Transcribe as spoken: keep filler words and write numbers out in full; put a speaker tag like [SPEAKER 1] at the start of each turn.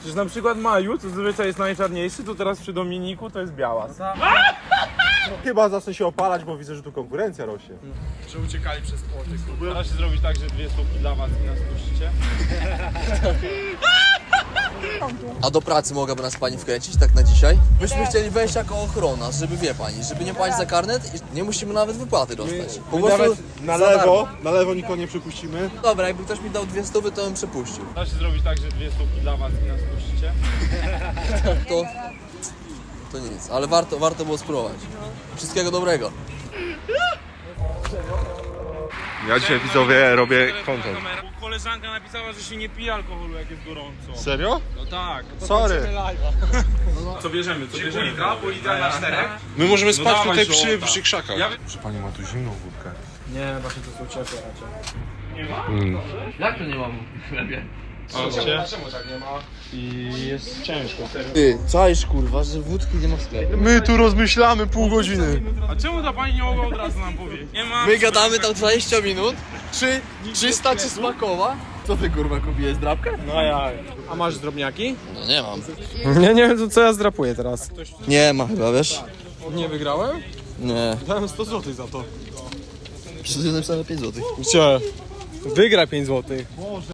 [SPEAKER 1] Przecież na przykład Maju, co zazwyczaj jest najczarniejszy, to teraz przy Dominiku to jest biała.
[SPEAKER 2] Chyba zacznę się opalać, bo widzę, że tu konkurencja rośnie.
[SPEAKER 1] Że uciekali przez płoty. Da się zrobić tak, że dwie stópki dla was i nas puścicie.
[SPEAKER 3] A do pracy mogłaby nas pani wkręcić tak na dzisiaj? Myśmy chcieli wejść jako ochrona, żeby wie pani, żeby nie płacić za karnet i nie musimy nawet wypłaty dostać. Po prostu
[SPEAKER 2] Na
[SPEAKER 3] za
[SPEAKER 2] lewo,
[SPEAKER 3] darmo.
[SPEAKER 2] na lewo nikogo nie przypuścimy.
[SPEAKER 3] Dobra, jakby ktoś mi dał dwie stówy, to bym przepuścił.
[SPEAKER 1] Da się zrobić tak, że dwie stópki dla was i nas puścicie.
[SPEAKER 3] To, to nic, ale warto, warto było spróbować. Wszystkiego dobrego.
[SPEAKER 2] Ja dzisiaj widzowie robię content.
[SPEAKER 1] Koleżanka napisała, że się nie pije alkoholu, jak jest gorąco.
[SPEAKER 2] Serio?
[SPEAKER 1] No tak.
[SPEAKER 2] Sorry.
[SPEAKER 1] Co bierzemy? Co bierzemy? Litra? Pół litra na czterech?
[SPEAKER 2] My możemy
[SPEAKER 1] No
[SPEAKER 2] spać
[SPEAKER 1] dawaj,
[SPEAKER 2] tutaj
[SPEAKER 1] żołta.
[SPEAKER 2] przy, przy krzakach.
[SPEAKER 1] Ja-
[SPEAKER 2] Że pani ma tu zimną wódkę.
[SPEAKER 1] Nie, właśnie to są ciepłe raczej. Nie ma?
[SPEAKER 3] Jak to nie mam w chlebie?
[SPEAKER 1] Czemu tak nie ma? I jest ciężko.
[SPEAKER 3] Ty, czaisz kurwa, że wódki nie ma w sklepie.
[SPEAKER 2] My tu rozmyślamy pół godziny.
[SPEAKER 1] A czemu ta pani nie mogła od razu nam powiedzieć? Nie ma.
[SPEAKER 3] My gadamy tam dwadzieścia minut, czy czysta, czy smakowa? Co ty kurwa kupiłeś, drapkę?
[SPEAKER 1] No ja. A masz drobniaki?
[SPEAKER 3] No nie mam.
[SPEAKER 1] Nie, nie wiem co ja zdrapuję teraz.
[SPEAKER 3] Nie ma chyba, wiesz?
[SPEAKER 1] Nie wygrałem?
[SPEAKER 3] Nie.
[SPEAKER 1] Dałem sto złotych za to.
[SPEAKER 3] Przecież napisane pięć złotych.
[SPEAKER 1] Gdzie? Wygra pięć złotych.